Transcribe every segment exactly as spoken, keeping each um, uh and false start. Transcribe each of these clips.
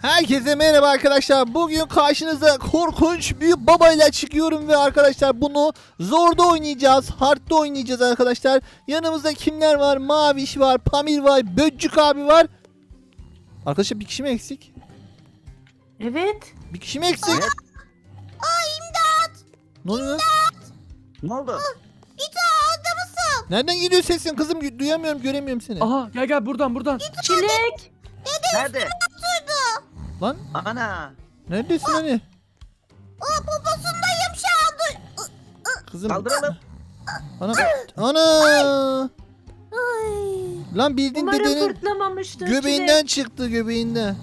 Herkese merhaba arkadaşlar. Bugün karşınıza korkunç büyük babayla çıkıyorum ve arkadaşlar bunu zorda oynayacağız. Hard'da oynayacağız arkadaşlar. Yanımızda kimler var? Maviş var, Pamir var, Böccük abi var. Arkadaşlar bir kişi mi eksik? Evet. Bir kişi mi eksik? Evet. Aa imdat! Ne oluyor? Ne oldu? Nereden geliyor sesin kızım? Duyamıyorum, göremiyorum seni. Aha gel gel buradan buradan. Çilek. Nerede? Lan Ana. neredesin hani? Aa poposundayım şu anda. Kızım. Kaldıralım. Ana. Ana. Ay. Lan bildiğin Umarım dedenin fırtlamamıştır göbeğinden çıktı, göbeğinden.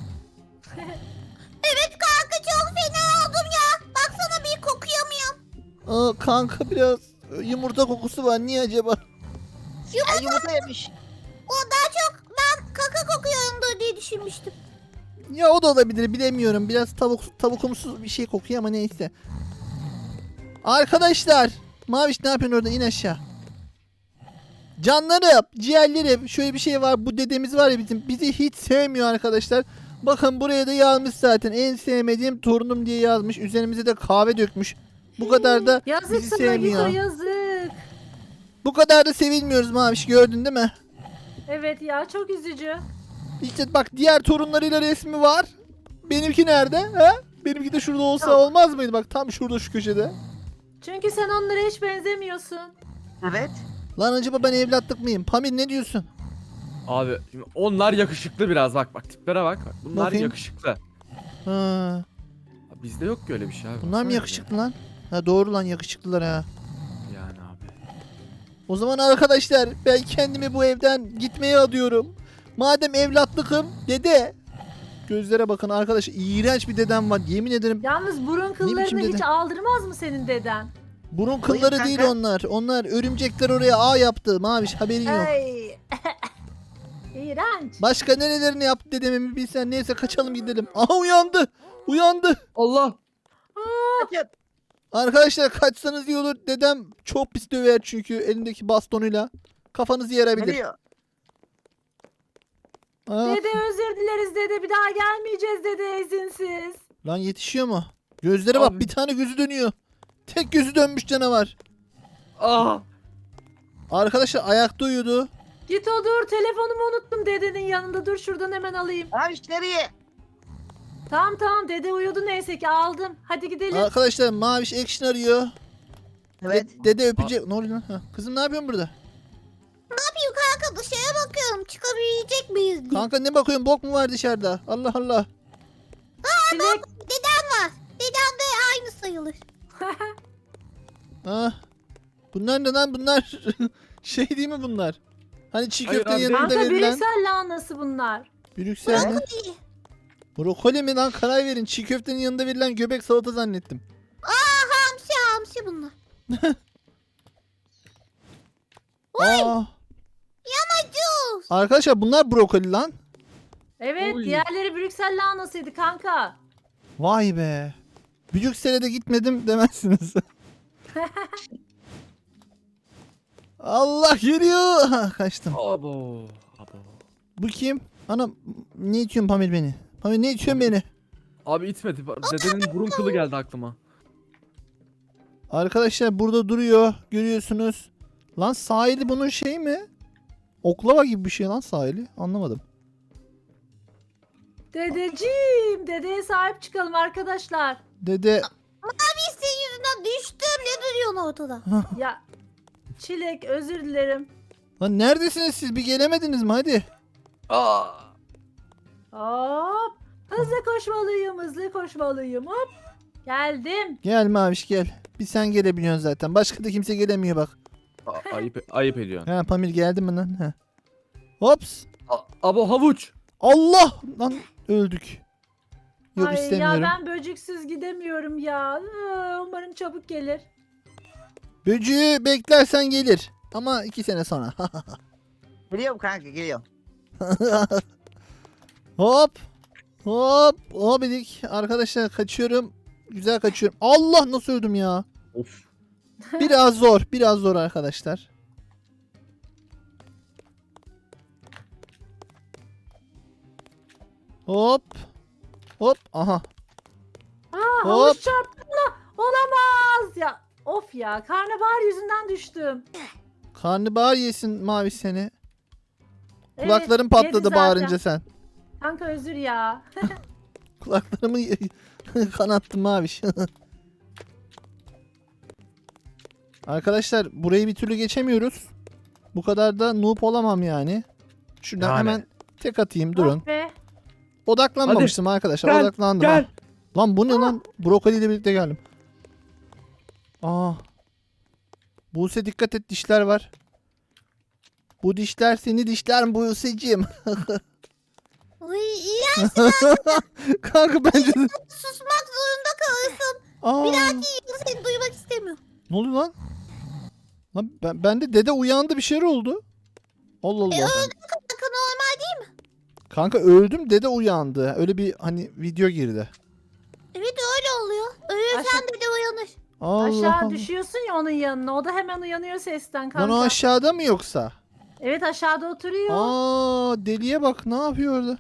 Evet kanka çok fena oldum ya. Baksana bir kokuyamıyorum. Aa, kanka biraz yumurta kokusu var. Niye acaba? Ya, yumurta yemiş. O daha çok ben kaka kokuyorumdur diye düşünmüştüm. Ya o da olabilir, bilemiyorum. Biraz tavuk tavukumsu bir şey kokuyor ama neyse. Arkadaşlar, Maviş ne yapıyorsun orada? İn aşağı. Canlarım, ciğerlerim. Şöyle bir şey var. Bu dedemiz var ya bizim. Bizi hiç sevmiyor arkadaşlar. Bakın buraya da yazmış zaten. En sevmediğim torunum diye yazmış. Üzerimize de kahve dökmüş. Bu kadar da Yazık bizi sana sevmiyor. Gito, yazık. Bu kadar da sevilmiyoruz Maviş. Gördün değil mi? Evet ya, çok üzücü. İşte bak, diğer torunlarıyla resmi var. Benimki nerede? He? Benimki de şurada olsa Yok. olmaz mıydı? Bak tam şurada, şu köşede. Çünkü sen onlara hiç benzemiyorsun. Evet. Lan acaba ben evlatlık mıyım? Pamir ne diyorsun? Abi şimdi onlar yakışıklı biraz bak bak tiplere bak. bak. Bunlar Bakayım. yakışıklı. Ha, Abi, bizde yok ki öyle bir şey abi. bunlar mı Baksana yakışıklı lan? Ha doğru lan, yakışıklılar ha. bize. Yani abi. O zaman arkadaşlar ben kendimi bu evden gitmeye adıyorum. Madem evlatlıkım, dede. Gözlere bakın arkadaşlar, iğrenç bir dedem var. Yemin ederim Yalnız burun biçim kıllarını hiç dede? aldırmaz mı senin deden? burun Koyun kılları değil kanka. onlar. Onlar örümcekler oraya ağ yaptı. Maviş haberin yok. Ay. İğrenç. Başka nerelerini yaptı dedemin bilsen. Neyse kaçalım gidelim. Aha uyandı. Uyandı. Allah. Kaçın. Arkadaşlar kaçsanız iyi olur. Dedem çok pis döver çünkü elindeki bastonuyla. Kafanızı yarabilir. Geliyor. Aa, Dede özür dileriz dede, bir daha gelmeyeceğiz dede izinsiz. lan yetişiyor mu? Gözlere bak, Abi. bir tane gözü dönüyor. Tek gözü dönmüş canavar. Ah. Arkadaşlar ayakta uyudu. Git o dur, telefonumu unuttum dedenin yanında, dur şuradan hemen alayım. Abi nereye? Tamam tamam, dede uyudu neyse ki, aldım. Hadi gidelim. Arkadaşlar Maviş action arıyor. Evet. De- dede öpecek. Ne oluyor lan? Ha, kızım ne yapıyorsun burada? Ne yapayım kanka dışarıya bakıyorum çıkabilecek miyiz diye. Kanka ne bakıyorsun? Bok mu var dışarıda? Allah Allah. Çilek. Dedem var. Dedem de aynı sayılır. Ah. Bunlar ne lan? Bunlar şey değil mi bunlar? Hani çiğ Hayır köftenin abi. yanında Kanka verilen. Brüksel lahanası bunlar. Brüksel mi? İyi. Brokoli mi lan? Karar verin. Çiğ köftenin yanında verilen göbek salata zannettim. Hamsi hamsi bunlar. Aa. Yanacağız. Arkadaşlar bunlar brokoli lan. Evet, Oy. diğerleri Brüksel lahanasıydı kanka. Vay be. Brüksel'e de gitmedim demezsiniz. Allah geliyor. Ha, kaçtım. Abo. Abo. Bu kim? Anam ne itiyorsun Pamir beni? Pamir ne itiyorsun beni? Abi itmedi. Dedenin burun kılı geldi aklıma. Arkadaşlar burada duruyor. Görüyorsunuz. Lan sahili bunun şey mi? Oklava gibi bir şey lan sahili. Anlamadım. Dedeciğim, dedeye sahip çıkalım arkadaşlar. Dede. Biz senin yüzünden düştüm. Ne duruyorsun ortada? Ya Çilek, özür dilerim. Lan neredesiniz siz? Bir gelemediniz mi? Hadi. Aa. Hop. Hızlı koşmalıyım, hızlı koşmalıyım. Hop. Geldim. Gel Maviş gel. Bir sen gelebiliyorsun zaten. Başka da kimse gelemiyor bak. A- ayıp ayıp ediyorsun. Ha Pamir geldi mi lan? Ha. Hops. A- Abo havuç. Allah! Lan öldük. Yok Ay istemiyorum. ya, ben böceksiz gidemiyorum ya. Iı, Umarım çabuk gelir. Böcüğü beklersen gelir. Ama iki sene sonra. Geliyorum kanka geliyorum. Hop. Hop. Hobidik. Arkadaşlar kaçıyorum. Güzel kaçıyorum. Allah nasıl öldüm ya. Of. Biraz zor. Biraz zor arkadaşlar. Hop. Hop. Aha. Aa, Hop. havuç çarptı bana. Olamaz ya. Of ya, karnabahar yüzünden düştüm. Karnabahar yesin Mavi seni. Evet, Kulakların yedi patladı zaten. bağırınca sen. Kanka özür ya. Kulaklarımı kanattım Maviş. Arkadaşlar burayı bir türlü geçemiyoruz. Bu kadar da noob olamam yani. Şuradan Yani. hemen tek atayım durun. Ah be. Odaklanmamıştım arkadaşlar. Gel, Odaklandım. Gel. ha. Lan bu ne lan? Brokoli ile birlikte geldim. Aa. Buse dikkat et, dişler var. Bu dişler seni dişler mi Buse'cim? Uy, iyi Kanka bence de. susmak zorunda kalırsın. Aa. Bir dahaki yıl seni duymak istemiyorum. Ne oluyor lan? Lan ben, bende dede uyandı, bir şeyler oldu. Allah Allah. E öldüm kanka, normal değil mi? Kanka öldüm, dede uyandı. Öyle bir hani video girdi. Evet öyle oluyor. Ölürsen Aşağı- de de uyanır. Allah Aşağı Allah. düşüyorsun ya onun yanına. O da hemen uyanıyor sesten Lan kanka. o aşağıda mı yoksa? Evet, aşağıda oturuyor. Aa, deliye bak, ne yapıyor orada?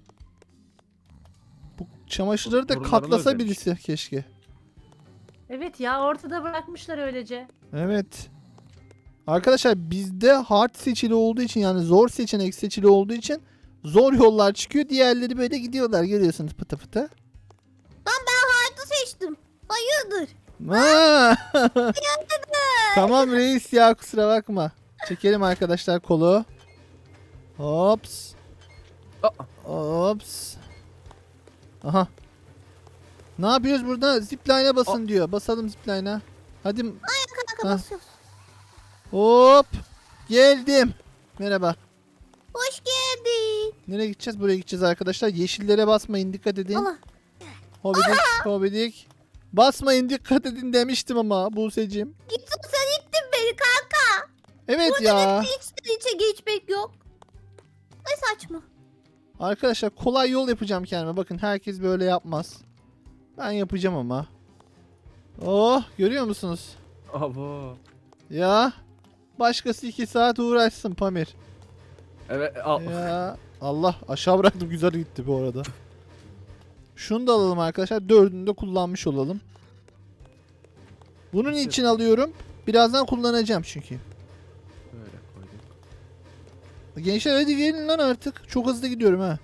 Bu çamaşırları da Torunlarını katlasa özlemiş. birisi keşke. Evet ya, ortada bırakmışlar öylece. Evet. Arkadaşlar bizde hard seçili olduğu için, yani zor seçenek seçili olduğu için zor yollar çıkıyor. Diğerleri böyle gidiyorlar, görüyorsunuz, pıtı pıtı. Lan ben hayatı seçtim. Hayırdır? Ha! Tamam reis ya, kusura bakma. Çekelim arkadaşlar kolu. Hops. Aa. Hops. Aha. Ne yapıyoruz burada? Zipline'a basın diyor. Basalım zipline'a. Hadi. Kanka Ha. basıyoruz. Hop. Geldim. Merhaba. Hoş geldin. Nereye gideceğiz? Buraya gideceğiz arkadaşlar. Yeşillere basmayın, dikkat edin. Allah. Hobidik, hobidik. Basmayın, dikkat edin demiştim ama Buse'cim. Gittin sen ittin beni kanka. Evet ya. Hiç içe geçmek yok. Ne saçma. Arkadaşlar kolay yol yapacağım kendime. Bakın herkes böyle yapmaz. Ben yapacağım ama. Oh, görüyor musunuz? Abo. Ya. Başkası iki saat uğraşsın Pamir. Evet al. Ya. Allah, aşağı bıraktım, güzel gitti bu arada. Şunu da alalım arkadaşlar. Dördünü de kullanmış olalım. Bunun için alıyorum. Birazdan kullanacağım çünkü. Böyle koydum. Gençler hadi gelin lan artık. Çok hızlı gidiyorum ha.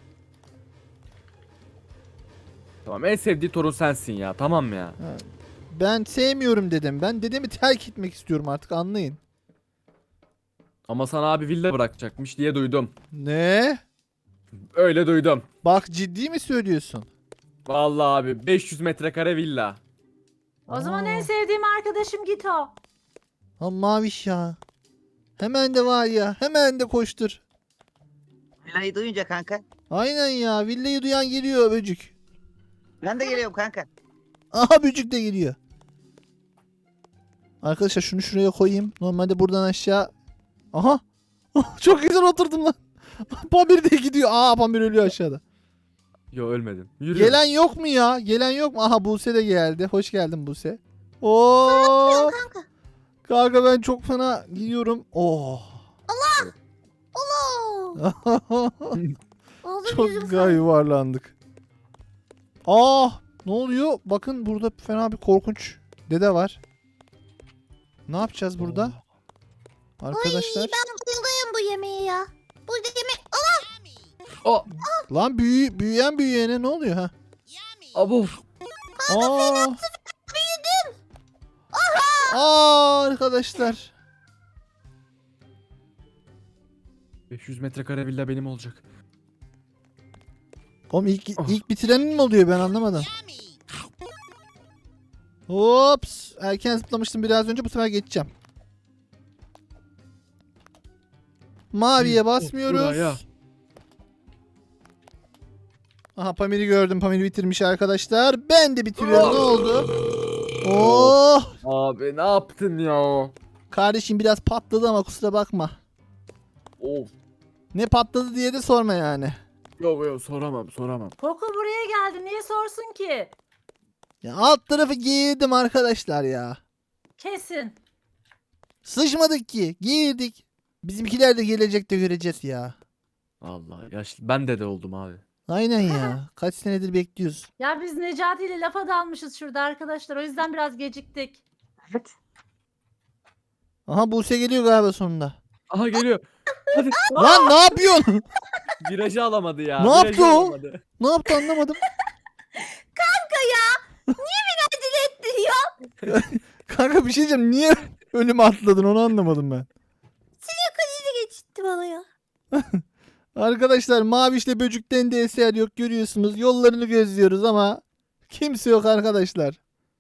Tamam, en sevdiği torun sensin ya. Tamam ya. Ben sevmiyorum dedim. Ben dedemi terk etmek istiyorum artık, anlayın. Ama sana abi villa bırakacakmış diye duydum. Ne? Öyle duydum. Bak, ciddi mi söylüyorsun? Vallahi abi beş yüz metrekare villa. O zaman Aa. en sevdiğim arkadaşım Gito. Ha Maviş ya. Hemen de var ya. Hemen de koştur. Villayı duyunca kanka. Aynen ya. Villayı duyan geliyor böcük. Ben de geliyorum kanka. Aha, böcük de geliyor. Arkadaşlar şunu şuraya koyayım. Normalde buradan aşağı. Aha. Çok güzel oturdum lan. Pamir de gidiyor. Aa, Pamir ölüyor aşağıda. Yo, ölmedim. Yürü. Gelen yok mu ya? Gelen yok mu? Aha, Buse de geldi. Hoş geldin Buse. Oo. Kanka. Kanka ben çok fena gidiyorum. Oh. Allah. Oğlum Çok yüzüm güzel yuvarlandık. Aa, ne oluyor? Bakın burada fena bir korkunç dede var. Ne yapacağız burada? Arkadaşlar. Ay, ben bayılıyorum bu yemeğe ya. Bu yemek... O. Lan büyü, büyüyen büyüyene ne oluyor ha? Abo. Aa. Aa, arkadaşlar. beş yüz metrekare villa benim olacak. Oğlum ilk, Oh. ilk bitirenin mi oluyor, ben anlamadım. Hops. Erken zıplamıştım biraz önce, bu sefer geçeceğim. Maviye basmıyoruz. Buraya. Aha, Pamir'i gördüm. Pamir bitirmiş arkadaşlar. Ben de bitiriyorum. Ne oldu? Oh! Abi ne yaptın ya? Kardeşim biraz patladı ama kusura bakma. Of. Ne patladı diye de sorma yani. Yok yok, soramam soramam. Poco buraya geldi. Niye sorsun ki? Ya alt tarafı giydim arkadaşlar ya. Kesin. Sıçmadık ki. Giydik. Bizimkiler de gelecekte göreceğiz ya. Vallahi yaşlı. Ben de de oldum abi. Aynen ya. Kaç senedir bekliyoruz. Ya biz Necati ile lafa dalmışız şurada arkadaşlar. O yüzden biraz geciktik. Evet. Aha Buse geliyor galiba sonunda. Aha geliyor. Hadi. Lan ne yapıyorsun? Virajı alamadı ya. Ne virajı yaptı o? alamadı. Ne yaptı anlamadım. Acele ettin ya. Kanka bir şey diyeceğim. Niye önüme atladın onu anlamadım ben. Krizi geçitti bana ya. Arkadaşlar Maviş'le Böcük'ten de eser yok görüyorsunuz. Yollarını gözlüyoruz ama kimse yok arkadaşlar.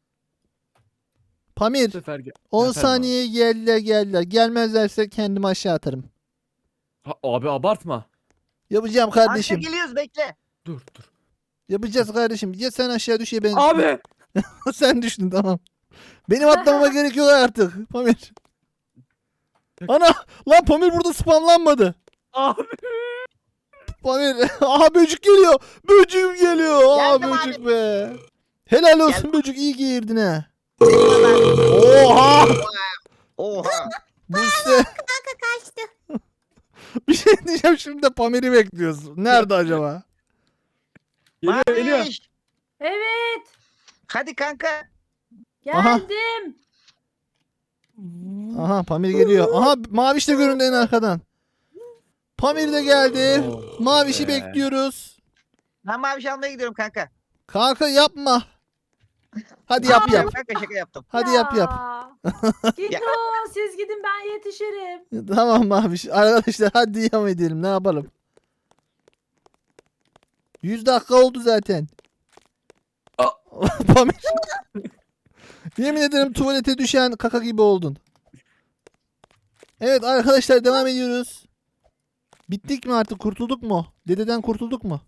Bu Pamir sefer gel. on Efendim saniye geldiler geldiler. Gelmezlerse kendimi aşağı atarım. Ha, abi abartma. Yapacağım Kanka kardeşim. geliyoruz bekle. Dur dur. Yapacağız kardeşim. Ya sen aşağı düş ya ben. Abi. Sen düştün tamam. Benim atlamama gerek yok artık. Pamir. Ana lan Pamir burada spamlanmadı. Abi. Pamir. Aha böcük geliyor. Böcüğüm geliyor. Aa Geldim abi. böcük be. Helal olsun Geldim. böcük iyi girdin ha. Oha. Oha. Oha. Buse. Kanka kaçtı. Bir şey diyeceğim şimdi de Pamir'i bekliyoruz. Nerede acaba? Geliyor geliyor. Maviş. Evet. Hadi kanka. Aha. Geldim. Aha Pamir geliyor. Aha Maviş de göründü en arkadan. Pamir de geldi. Oh Maviş'i be. bekliyoruz. Ben maviş almaya gidiyorum kanka. Kanka yapma. Hadi yap yap. Kanka şaka yaptım. Hadi yap yap. Ya. Gidin o, siz gidin ben yetişirim. Tamam Maviş. Arkadaşlar hadi devam edelim. Ne yapalım? yüz dakika oldu zaten. Pamir. Yemin ederim tuvalete düşen kaka gibi oldun. Evet arkadaşlar devam ediyoruz. Bittik mi artık? Kurtulduk mu? Dededen kurtulduk mu?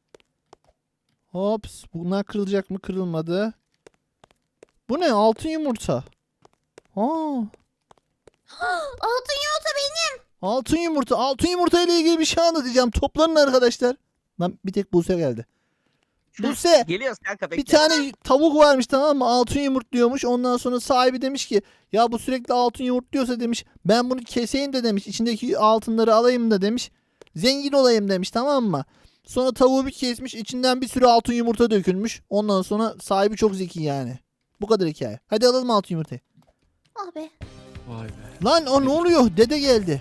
Hops. Bunlar kırılacak mı? Kırılmadı. Bu ne? Altın yumurta. Aa, Altın yumurta benim. altın yumurta. Altın yumurta ile ilgili bir şey anlatacağım. Toplanın arkadaşlar. Lan bir tek Buse geldi. Buse. Geliyoruz kanka bekle. Bir tane tavuk varmış tamam mı? Altın yumurtluyormuş. Ondan sonra sahibi demiş ki ya bu sürekli altın yumurtluyorsa demiş ben bunu keseyim de demiş. İçindeki altınları alayım da demiş. Zengin olayım demiş tamam mı? Sonra tavuğu bir kesmiş. İçinden bir sürü altın yumurta dökülmüş. Ondan sonra sahibi çok zeki yani. Bu kadar hikaye. Hadi alalım altın yumurtayı. Abi. Vay be. Lan o ne oluyor? Dede geldi.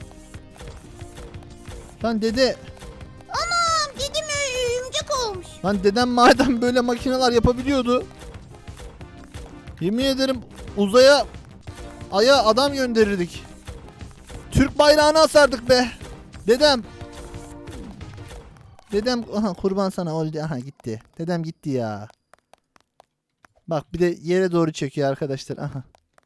Lan dede. Anam dedim örümcek olmuş. Lan dedem madem böyle makineler yapabiliyordu. Yemin ederim uzaya aya adam gönderirdik. Türk bayrağını asardık be. Dedem. Dedem aha kurban sana oldu. Aha gitti. Dedem gitti ya. Bak bir de yere doğru çekiyor arkadaşlar. Aha.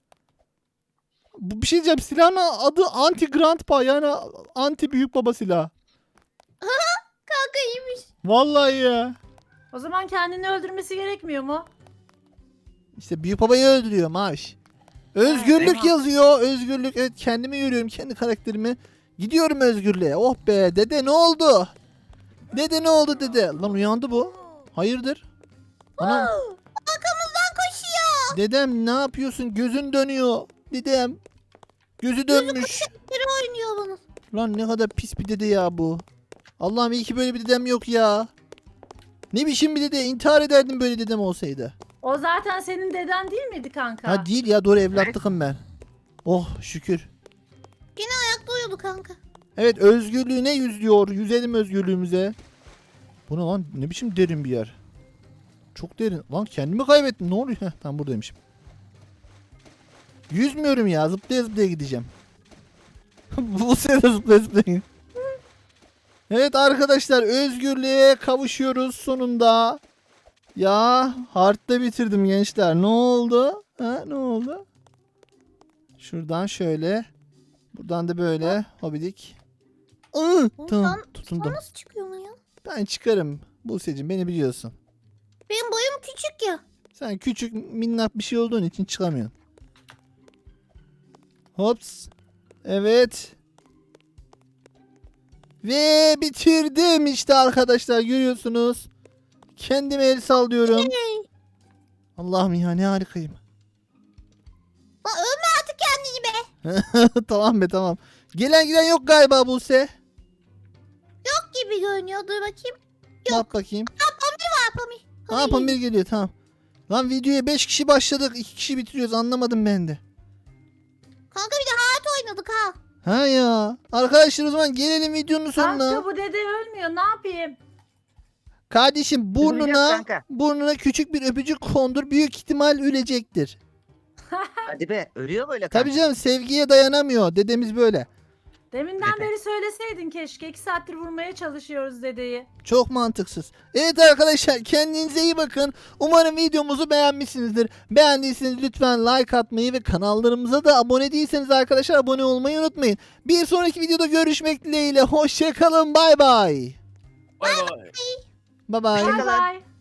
Bu bir şey diyeceğim. Silahın adı anti grandpa yani anti büyük baba silahı. Kanka iyiymiş. Vallahi ya. O zaman kendini öldürmesi gerekmiyor mu? İşte büyük babayı öldürüyor Maviş. Özgürlük Evet. yazıyor. Özgürlük. Evet kendimi yürüyorum. Kendi karakterimi. Gidiyorum özgürlüğe. Oh be dede ne oldu? Dede ne oldu dede? Lan uyandı bu. Hayırdır? Anam Arkamızdan koşuyor. dedem ne yapıyorsun? Gözün dönüyor. Dedem. Gözü dönmüş. Biri oynuyor bana. Lan ne kadar pis bir dede ya bu. Allah'ım iyi ki böyle bir dedem yok ya. Ne biçim bir dede? İntihar ederdim böyle dedem olsaydı. O zaten senin deden değil miydi kanka? Ha değil ya doğru evlatlıkım ben. Oh şükür. Ayakta uyuyordu kanka. Evet özgürlüğüne yüzüyor. Yüzelim özgürlüğümüze. Bu ne lan? Ne biçim derin bir yer. Çok derin. Lan kendimi kaybettim. Ne oluyor? Heh, tam buradaymışım. Yüzmüyorum ya. Zıplaya zıplaya gideceğim. Bu sene zıplaya zıplaya. Evet arkadaşlar özgürlüğe kavuşuyoruz sonunda. Ya hard'da bitirdim gençler. Ne oldu? Ha ne oldu? Şuradan şöyle. Buradan da böyle. Hobidik. Iı, Oğlum tamam sen- tutundum. Sen nasıl çıkıyorsun ya? Ben çıkarım. Buse'cim beni biliyorsun. Benim boyum küçük ya. Sen küçük minnak bir şey olduğun için çıkamıyorsun. Hops. Evet. Ve bitirdim işte arkadaşlar görüyorsunuz. Kendime el sallıyorum. Allah'ım ya ne harikayım. Lan ölme artık kendini be. Tamam be tamam. Gelen giden yok galiba Buse. Yok gibi görünüyor. Dur bakayım. Bak bakayım. Var Pamir. Aa Pamir geliyor tamam. Lan videoya beş kişi başladık. iki kişi bitiriyoruz anlamadım ben de. Kanka bir de hayat oynadık ha. Ha ya. Arkadaşlar o zaman gelelim videonun sonuna. Kanka bu dede ölmüyor ne yapayım? Kardeşim Duyacağız burnuna kanka. burnuna küçük bir öpücük kondur. Büyük ihtimal ölecektir. Hadi be ölüyor böyle kanka. Tabii canım sevgiye dayanamıyor. Dedemiz böyle. Deminden Dede. beri söyleseydin keşke. İki saattir vurmaya çalışıyoruz dedeyi. Çok mantıksız. Evet arkadaşlar kendinize iyi bakın. Umarım videomuzu beğenmişsinizdir. Beğendiyseniz lütfen like atmayı ve kanallarımıza da abone değilseniz arkadaşlar abone olmayı unutmayın. Bir sonraki videoda görüşmek dileğiyle. Hoşçakalın. Bay bay. Bay bay. Bay bay. Hoşça Bay kalın. bay.